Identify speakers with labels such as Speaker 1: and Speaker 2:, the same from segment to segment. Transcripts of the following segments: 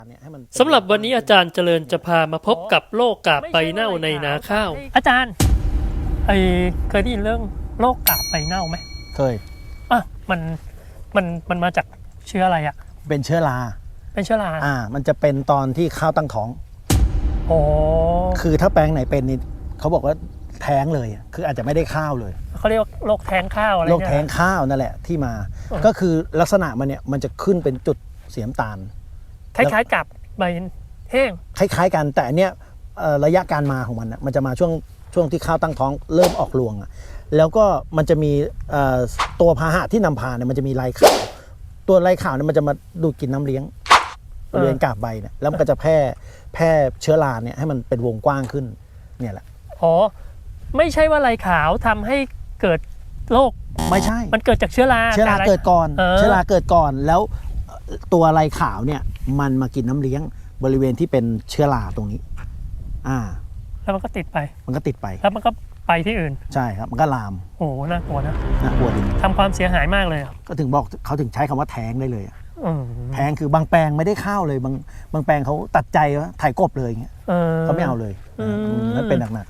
Speaker 1: สำหรับวันนี้อาจารย์เจริญจะพามาพบกับโรคกาบใบเน่าในนาข้าวอาจารย์เคยได้ยินเรื่องโรคกาบใบเน่าไหม
Speaker 2: เคย
Speaker 1: มันมาจากเชื้ออะไรอ่ะ
Speaker 2: เป็นเชื้อรามันจะเป็นตอนที่ข้าวตั้งท้อง
Speaker 1: อ๋อ
Speaker 2: คือถ้าแปลงไหนเป็นนี่เขาบอกว่าแท้งเลยคืออาจจะไม่ได้ข้าวเลย
Speaker 1: เขาเรียกโรคแท้งข้าวอะไร
Speaker 2: โรคแท้งข้าวนั่นแหละที่มาก็คือลักษณะมันเนี่ยมันจะขึ้นเป็นจุดเสียมตาล
Speaker 1: คล้ายๆกับใบแห้ง
Speaker 2: คล้ายๆกันแต่เนี้ยระยะการมาของมันมันจะมาช่วงที่ข้าวตั้งท้องเริ่มออกรวงแล้วก็มันจะมีตัวพาหะที่นำพาเนี่ยมันจะมีลายขาวตัวลายขาวเนี่ยมันจะมาดูดกินน้ำเลี้ยงบริเวณกาบใบเนี่ยแล้วมันก็จะแพร่เชื้อราเนี่ยให้มันเป็นวงกว้างขึ้นเนี่ยแหละ
Speaker 1: อ๋อไม่ใช่ว่าลายขาวทำให้เกิดโรค
Speaker 2: ไม่ใช่
Speaker 1: มันเกิดจากเชื้อรา
Speaker 2: เกิดก่อนเชื้อราเกิดก่อนแล้วตัวลายขาวเนี่ยมันมากินน้ำเลี้ยงบริเวณที่เป็นเชื้อราตรงนี้
Speaker 1: แล้วมันก็ติดไปแล้วมันก็ไปที่อื่น
Speaker 2: ใช่ครับมันก็ลาม
Speaker 1: โอ้น่ากลัวนะ
Speaker 2: น่ากลัวดิ
Speaker 1: ทำความเสียหายมากเลย
Speaker 2: ก็ถึงบอกเขาถึงใช้คำว่าแท้งได้เลยแท้งคือบางแปลงไม่ได้ข้าวเลยบางแปลงเขาตัดใจว่าถ่ายกบเลยอย่างเงี้ยเขาไม่เอาเลยนั่นเป็นหนัก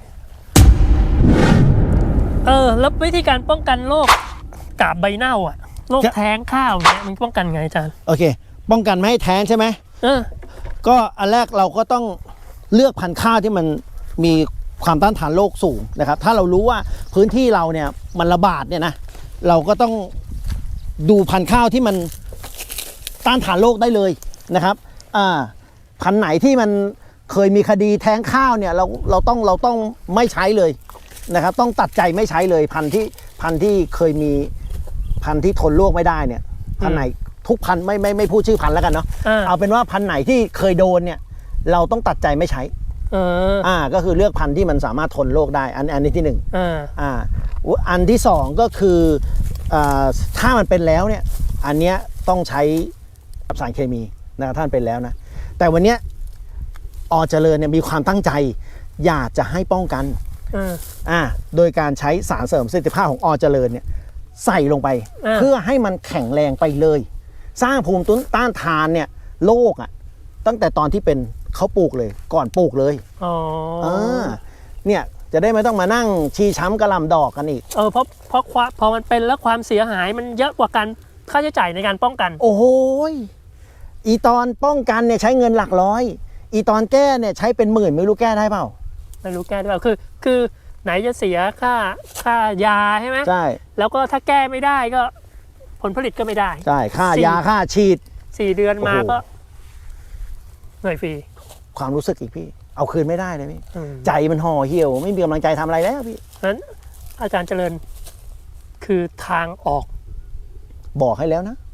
Speaker 1: แล้ววิธีการป้องกันโรคกาบใบเน่าโรคแท้งข้าวเนี่ยมันป้องกันไงอาจารย์
Speaker 2: โอเคป้องกันไม่ให้แท้งใช่ไหมก็อันแรกเราก็ต้องเลือกพันธุ์ข้าวที่มันมีความต้านทานโรคสูงนะครับถ้าเรารู้ว่าพื้นที่เราเนี่ยมันระบาดเนี่ยนะเราก็ต้องดูพันธุ์ข้าวที่มันต้านทานโรคได้เลยนะครับพันธุ์ไหนที่มันเคยมีคดีแท้งข้าวเนี่ยเราต้องไม่ใช้เลยนะครับต้องตัดใจไม่ใช้เลยพันธุ์ที่เคยมีพันธุ์ที่ทนโรคไม่ได้เนี่ยพันธุ์ไหนทุกพันธุ์ไม่พูดชื่อพันธุ์แล้วกันเนาะเอาเป็นว่าพันธุ์ไหนที่เคยโดนเนี่ยเราต้องตัดใจไม่ใช้ก็คือเลือกพันธุ์ที่มันสามารถทนโรคได้อันนี้ที่หนึ่งอันที่สองก็คือถ้ามันเป็นแล้วเนี่ยอันเนี้ยต้องใช้สารเคมีนะครับท่านเป็นแล้วนะแต่วันเนี้ยเจริญเนี่ยมีความตั้งใจอยากจะให้ป้องกันโดยการใช้สารเสริมประสิทธิภาพของเจริญเนี่ยใส่ลงไปเพื่อให้มันแข็งแรงไปเลยสร้างภูมิต้านทานเนี่ยโรคตั้งแต่ตอนที่เป็นเขาปลูกเลยก่อนปลูกเลยเนี่ยจะได้ไม่ต้องมานั่งชี้ช้ำกระหล่ำดอกกันอีก
Speaker 1: เพราะพอมันเป็นแล้วความเสียหายมันเยอะกว่าการค่าใช้จ่ายในการป้องกัน
Speaker 2: โอ้โหอีตอนป้องกันเนี่ยใช้เงินหลักร้อยอีตอนแก้เนี่ยใช้เป็นหมื่นไม่รู้แก้ได้เปล่า
Speaker 1: ไม่รู้แก้ได้เปล่าคือไหนจะเสียค่ายาใช่ไหม
Speaker 2: ใช่
Speaker 1: แล้วก็ถ้าแก้ไม่ได้ก็ผลผลิตก็ไม่ได้
Speaker 2: ใช่ค่ายาค่าฉีด
Speaker 1: 4 เดือนมาก็เหนื่อยฟรี
Speaker 2: ความรู้สึกอีกพี่เอาคืนไม่ได้เลยพี่ใจมันห่อเหี่ยวไม่มีกำลังใจทำอะไรแล้วพี่
Speaker 1: นั้นอาจารย์เจริญคือทางออก
Speaker 2: บอกให้แล้วนะ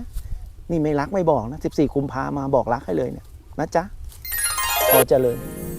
Speaker 2: นี่ไม่รักไม่บอกนะ14 กุมภามาบอกรักให้เลยเนี่ยนะจ๊ะเจริญ